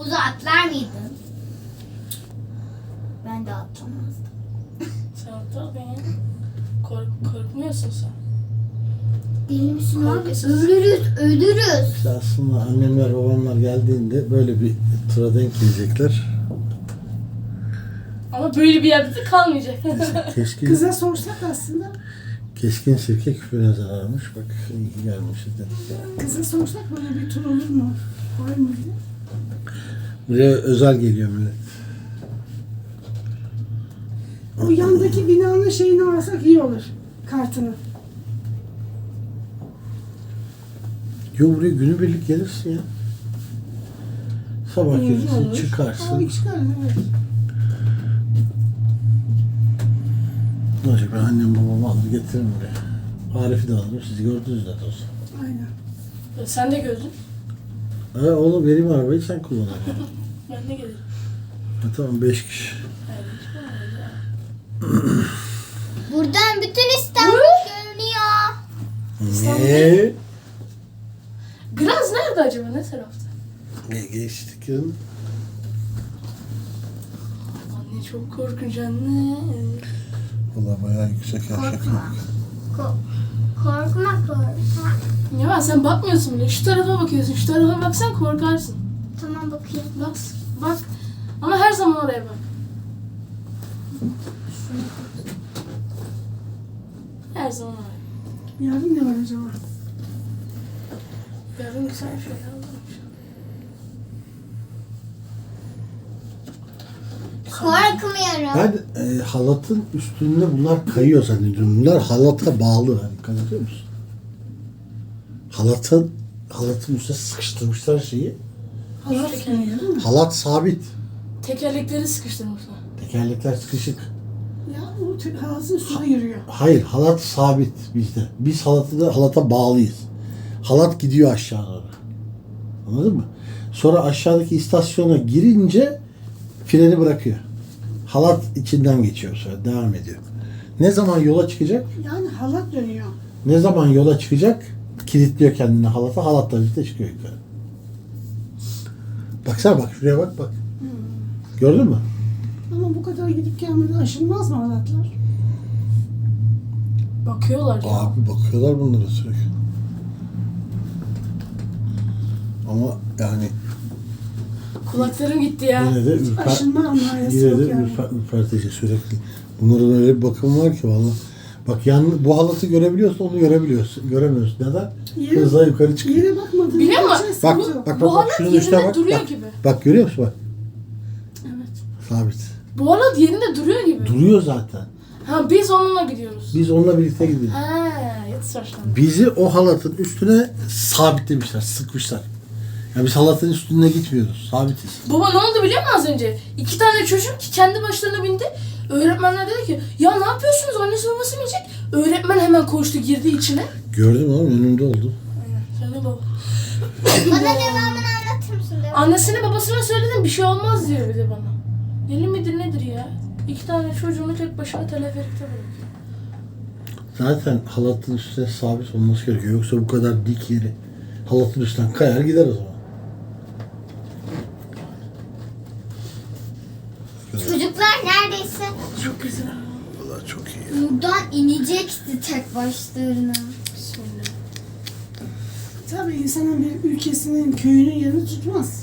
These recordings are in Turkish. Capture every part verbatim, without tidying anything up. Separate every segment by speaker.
Speaker 1: Havuza atlar mıydın? Ben de atlamazdım.
Speaker 2: Sen atlar ya. Kork korkmuyorsun sen.
Speaker 1: Deli misin abi?
Speaker 2: Korkuyorsun.
Speaker 1: Ölürüz, ölürüz.
Speaker 3: İşte aslında annemler babamlar geldiğinde böyle bir tura denk gelecekler.
Speaker 2: Ama böyle bir yerde de kalmayacak.
Speaker 3: Keskin,
Speaker 4: Kıza sorsak aslında,
Speaker 3: keskin sirke küpüne zararmış. Bak iyi ki gelmişiz dedik ya.
Speaker 4: kıza sorsak böyle bir tur olur mu? Var mı diye.
Speaker 3: Buraya özel geliyor millet.
Speaker 4: O yandaki binanın şeyini alsak iyi olur. Kartını.
Speaker 3: Yo buraya günübirlik gelirsin ya. Sabah
Speaker 4: Olur,
Speaker 3: gelirsin,
Speaker 4: olur.
Speaker 3: çıkarsın.
Speaker 4: Aa, çıkarız evet.
Speaker 3: Ne olacak, ben annem babamı alır getiririm buraya. Arif'i de alırım, sizi gördünüz zaten olsun.
Speaker 4: Aynen.
Speaker 2: Sen de gördün.
Speaker 3: Ha oğlum benim arabayı sen kullan.
Speaker 2: Ben de gelirim.
Speaker 3: Ha, tamam beş kişi.
Speaker 1: Buradan bütün İstanbul görünüyor.
Speaker 3: Ne?
Speaker 2: Graz nerede acaba? Ne tarafta?
Speaker 3: Ne geçtik ya?
Speaker 2: Anne çok korkunç anne.
Speaker 3: Valla bayağı yüksek aşağı.
Speaker 1: Ko- korkma korkma.
Speaker 2: Ya ben sen bakmıyorsun bile. Şu tarafa bakıyorsun. Şu tarafa baksan korkarsın.
Speaker 1: Tamam bakayım.
Speaker 2: Bak, bak. Ama her zaman oraya bak. Her zaman oraya.
Speaker 4: Yarın ne var acaba?
Speaker 2: Yarın güzel bir şey aldım.
Speaker 1: Korkmuyorum.
Speaker 3: Ben e, halatın üstünde bunlar kayıyor zannediyorum. Bunlar halata bağlı. Hani dikkat ediyor musun? Halatın halatın üstüne sıkıştırmışlar şeyi.
Speaker 4: Halat sürüyor değil mi?
Speaker 3: Halat sabit.
Speaker 2: Tekerlekleri sıkıştırmışlar.
Speaker 3: Tekerlekler sıkışık.
Speaker 4: Ya o te- halatın üstüne yürüyor.
Speaker 3: Hayır, halat sabit bizde. Biz halatı da halata bağlıyız. Halat gidiyor aşağı doğru. Anladın mı? Sonra aşağıdaki istasyona girince freni bırakıyor. Halat içinden geçiyor sonra, devam ediyor. Ne zaman yola çıkacak?
Speaker 4: Yani halat dönüyor.
Speaker 3: Ne zaman yola çıkacak? Kilitliyor kendini halata, halatla birlikte çıkıyor yukarı. Baksana bak, şuraya bak bak. Gördün mü?
Speaker 4: Ama bu kadar gidip gelmeden aşılmaz mı halatlar?
Speaker 2: Bakıyorlar ya.
Speaker 3: Abi bakıyorlar bunlara sürekli. Ama yani
Speaker 2: Kulaklarım gitti ya.
Speaker 3: yine de ürper,
Speaker 4: Aşınma anlayası
Speaker 3: yine
Speaker 4: yok
Speaker 3: de
Speaker 4: yani.
Speaker 3: ürper, ürpertici sürekli. Bunların öyle bir bakımı var ki vallahi. Bak yan, bu halatı görebiliyorsun, onu görebiliyorsun. Göremiyorsun. Neden?
Speaker 4: Yere-
Speaker 3: Hızla yukarı çıkıyor.
Speaker 4: Yere bakmadın.
Speaker 2: Biliyor musun?
Speaker 4: Şey
Speaker 3: Bak
Speaker 4: sıkıntı yok.
Speaker 3: bak bak,
Speaker 2: Bu
Speaker 3: bak
Speaker 2: halat
Speaker 3: şunun üstüne
Speaker 2: yerinde
Speaker 3: bak.
Speaker 2: duruyor
Speaker 3: Bak,
Speaker 2: gibi.
Speaker 3: bak görüyor musun bak?
Speaker 2: Evet.
Speaker 3: Sabit.
Speaker 2: Bu halat yerinde duruyor gibi.
Speaker 3: Duruyor zaten.
Speaker 2: Ha biz onunla gidiyoruz.
Speaker 3: Biz onunla birlikte gidiyoruz.
Speaker 2: Ha, yatış başlandı.
Speaker 3: Bizi o halatın üstüne sabitlemişler, sıkmışlar. Yani biz halatın üstüne gitmiyoruz, sabitiz.
Speaker 2: Baba ne oldu biliyor musun az önce? İki tane çocuk ki kendi başlarına bindi. Öğretmenler dedi ki ya ne yapıyorsunuz annesi babası mı yiyecek? Öğretmen hemen koştu girdi içine.
Speaker 3: Gördüm oğlum, önümde oldu.
Speaker 2: Aynen. Sen de baba.
Speaker 1: Bana devamını anlatır mısın? Devam.
Speaker 2: Annesine babasına söyledim bir şey olmaz diyor bir de bana. Deli midir nedir ya? İki tane çocuğunu tek başına teleferikte bırakıyor.
Speaker 3: Zaten halatın üstüne sabit olması gerekiyor. Yoksa bu kadar dik yeri halatın üstünden kayar gider o zaman.
Speaker 1: Çocuklar neredeyse
Speaker 2: Çok güzel.
Speaker 3: Vallahi çok iyi.
Speaker 1: buradan inecekti tek başlarına.
Speaker 2: Bismillah.
Speaker 4: Tabii insanın bir ülkesinin, köyünün yerini tutmaz.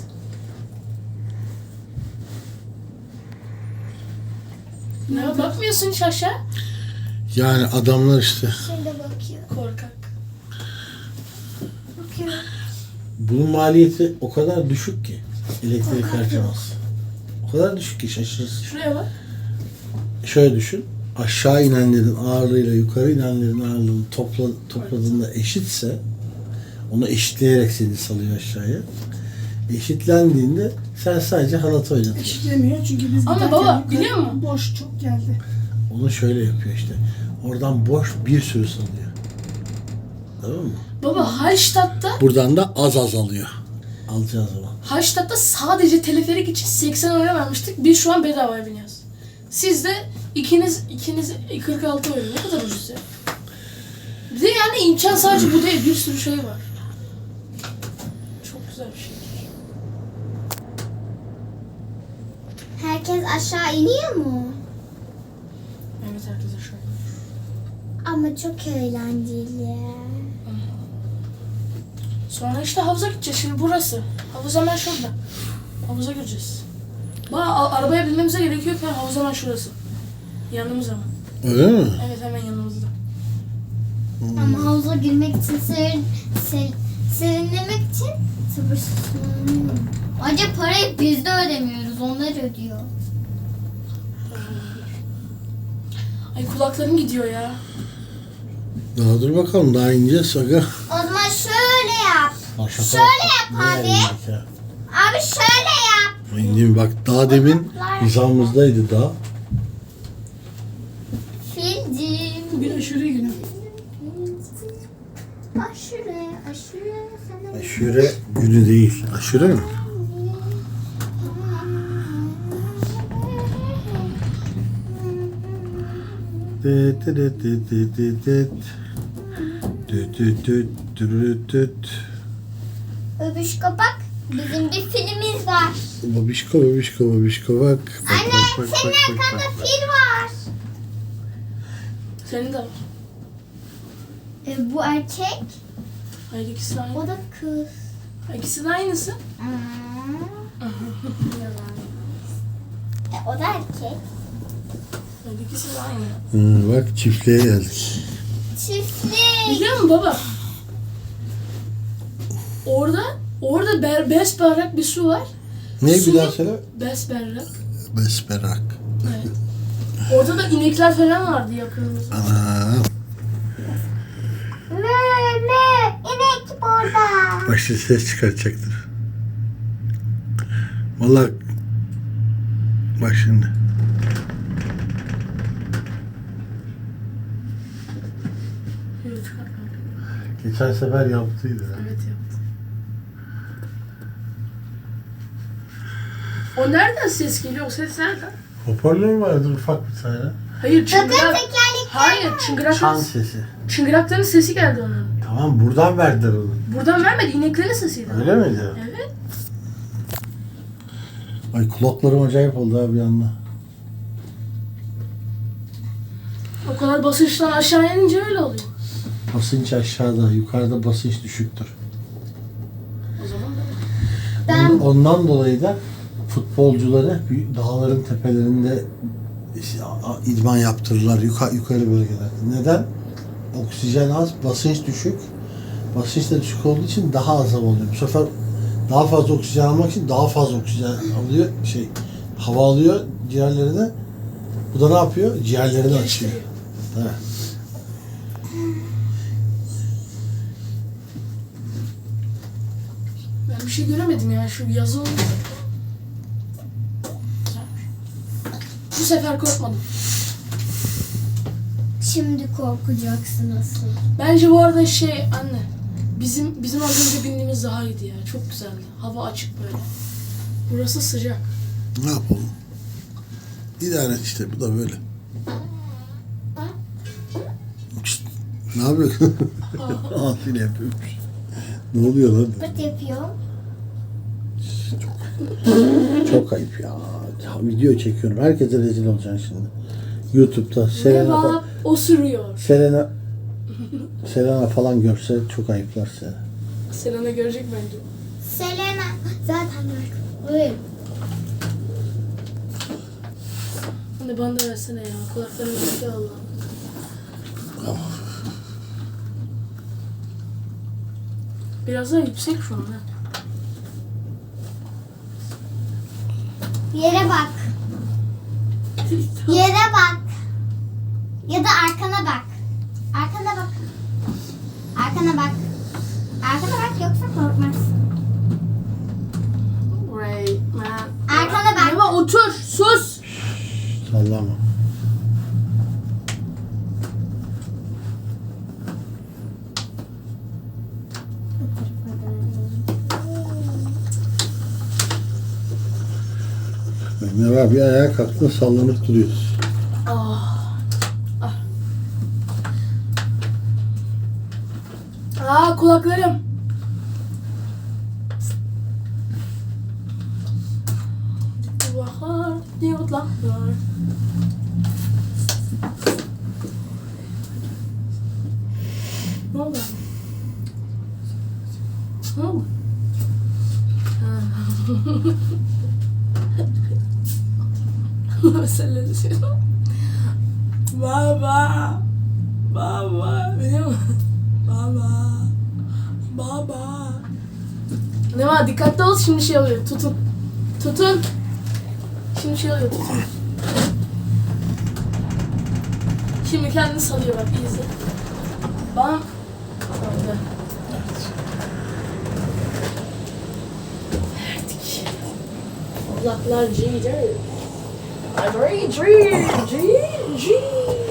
Speaker 2: Ne bakmıyorsun hiç aşağı?
Speaker 3: Yani adamlar işte
Speaker 1: Şimdi bakıyor.
Speaker 2: Korkak.
Speaker 1: Bakıyor.
Speaker 3: bunun maliyeti o kadar düşük ki elektrik harcaması. O kadar düşük ki şaşırırsın.
Speaker 2: Şuraya bak.
Speaker 3: Şöyle düşün. Aşağı inenlerin ağırlığıyla yukarı inenlerin ağırlığını topla, topladığında eşitse onu eşitleyerek seni salıyor aşağıya. Eşitlendiğinde sen sadece halatı oynatıyorsun.
Speaker 4: Eşitlemiyor çünkü biz
Speaker 2: Ama
Speaker 4: giderken
Speaker 2: baba,
Speaker 4: yukarı
Speaker 2: biliyor musun?
Speaker 4: boş çok geldi.
Speaker 3: Onu şöyle yapıyor işte. Oradan boş bir sürü salıyor. Tamam mı?
Speaker 2: Baba Hallstatt'ta
Speaker 3: Buradan da az az alıyor. Alacağız zaman.
Speaker 2: Hallstatt'ta sadece teleferik için seksen euro vermiştik. Biz şu an bedavaya biniyoruz. Siz de ikiniz ikiniz kırk altı euro. Ne kadar ucuz ya. Bir de yani imkan sadece bu değil. Bir sürü şey var. Çok güzel bir şey.
Speaker 1: Herkes aşağı iniyor mu?
Speaker 2: Evet herkes aşağı.
Speaker 1: Ama çok eğlenceli.
Speaker 2: Sonra işte havuza gideceğiz. Şimdi burası. Havuz hemen şurada. Havuza gireceğiz. Ba arabaya binmemize gerek yok ya. Havuz hemen şurası. Yanımız ama.
Speaker 3: Öyle mi?
Speaker 2: Evet hemen yanımızda.
Speaker 1: Ama havuza girmek için, serin, ser, serinlemek için sabırsızlanıyorum. Acaba parayı biz de ödemiyoruz, onlar ödüyor.
Speaker 2: Ay kulaklarım gidiyor ya.
Speaker 3: Daha dur bakalım, daha ineceğiz aga.
Speaker 1: O zaman şöyle yap.
Speaker 3: Aşağı
Speaker 1: Şöyle yap
Speaker 3: Nereye
Speaker 1: abi.
Speaker 3: indik ya?
Speaker 1: Abi şöyle yap.
Speaker 3: İndim bak, daha demin hizamızdaydı daha.
Speaker 1: Filcim.
Speaker 4: Bugün aşure günü.
Speaker 1: Aşure, aşure sana.
Speaker 3: Aşure günü değil. Aşure mi? Dıt dıt dıt dıt dıt dıt. Düt düt düt dürüt düt.
Speaker 1: Öbüş kapak. Bizim bir filmimiz var.
Speaker 3: Babişko babişko babişko bak. Bak
Speaker 1: Anne,
Speaker 3: bak bak
Speaker 1: senin
Speaker 3: bak bak.
Speaker 1: arkanda
Speaker 3: bak.
Speaker 1: fil var.
Speaker 2: Senin de var.
Speaker 1: E, bu erkek,
Speaker 2: Hayır ikisi de aynı.
Speaker 1: o da kız.
Speaker 2: İkisi de aynısı.
Speaker 1: Aa. Yalan. E, o da erkek.
Speaker 2: Hayır ikisi de aynı.
Speaker 3: Hı, bak çiftliğe geldik.
Speaker 1: Çiftlik.
Speaker 2: Biliyor musun baba? Orada, orada ber, besberrak bir su var.
Speaker 3: Ne bir
Speaker 2: Su-
Speaker 3: daha söyle?
Speaker 2: Besberrak.
Speaker 3: Besberak.
Speaker 2: Evet. Orada da inekler falan vardı yakınımızda.
Speaker 3: Ana.
Speaker 1: Ne ne? İnek burada.
Speaker 3: Başta ses çıkartacaktır. Vallahi bak şimdi.
Speaker 2: Yok, çıkartmadım.
Speaker 3: Geçen sefer yaptıydı.
Speaker 2: Evet yaptı. O nereden ses geliyor? O ses nereden?
Speaker 3: Hoparlör vardır ufak bir tane.
Speaker 2: Hayır
Speaker 1: Bakın
Speaker 2: çıngırak.
Speaker 1: tekerlekler.
Speaker 2: Hayır
Speaker 3: Çan
Speaker 2: çıngırakların,
Speaker 3: sesi.
Speaker 2: çıngırakların sesi geldi onun.
Speaker 3: Tamam, buradan verdiler onu.
Speaker 2: Buradan vermedi ineklerin sesiydi.
Speaker 3: Öyle miydi?
Speaker 2: Evet.
Speaker 3: Ay kulaklarım acayip oldu abi bir anda.
Speaker 2: O kadar basınçtan aşağı inince öyle oluyor.
Speaker 3: Basınç aşağıda, yukarıda basınç düşüktür.
Speaker 2: O zaman da.
Speaker 1: Ben
Speaker 3: Ondan dolayı da futbolcuları büyük dağların tepelerinde işte a- idman yaptırırlar yukarı, yukarı bölgelerde. Neden? Oksijen az, basınç düşük. Basınç da düşük olduğu için daha az hava alıyor. Bu sefer daha fazla oksijen almak için daha fazla oksijen alıyor. Şey, hava alıyor ciğerlerine. Bu da ne yapıyor? Ciğerlerini açıyor.
Speaker 2: Geliştiriyor.
Speaker 3: Evet.
Speaker 2: Ben bir şey göremedim ya şu yazı olmuş. Bu sefer korkmadım.
Speaker 1: şimdi korkacaksın asıl.
Speaker 2: Bence bu arada şey anne. Bizim bizim az önce bindiğimiz daha iyiydi ya. Çok güzeldi. Hava açık böyle. Burası sıcak.
Speaker 3: Ne yapalım? İdare et işte, bu da böyle. Şşt, ne yapıyorsun? Afil yapıyormuş. Ne oluyor lan?
Speaker 1: Pıt yapıyor.
Speaker 3: Çok ayıp ya. Ya video çekiyorum. Herkese rezil olacaksın şimdi. YouTube'da Selena, fa-
Speaker 2: Merhaba, o sürüyor.
Speaker 3: Selena Selena falan görse çok ayıplar seni.
Speaker 2: Selena görecek bence.
Speaker 1: Selena zaten böyle.
Speaker 2: Anne bana da versene ya. Kulaklarım gitti Allah. Biraz daha yüksek şu an ha.
Speaker 1: Yere bak. Yere bak. Ya da arkana bak. Arkana bak. Arkana bak. Arkana bak yoksa korkmazsın.
Speaker 2: Right man.
Speaker 1: Arkana bak.
Speaker 2: Eva otur, sus.
Speaker 3: Sallama. Ömer abi ayağa kalktın, sallanıp duruyorsun.
Speaker 2: Ah. Ah. Aa kulaklarım. Bahar. idiotlar. Ne oldu? Ne oldu? Mesela baba, baba, biliyor musun? Baba, baba. Ne var? Dikkatli ol, şimdi şey oluyor. Tutun, tutun. Şimdi şey oluyor, tutun. Şimdi kendini salıyor bak, iyi izle. Bam. Saldı. Verdik. Oğlaklar G, G. G, G, G, G.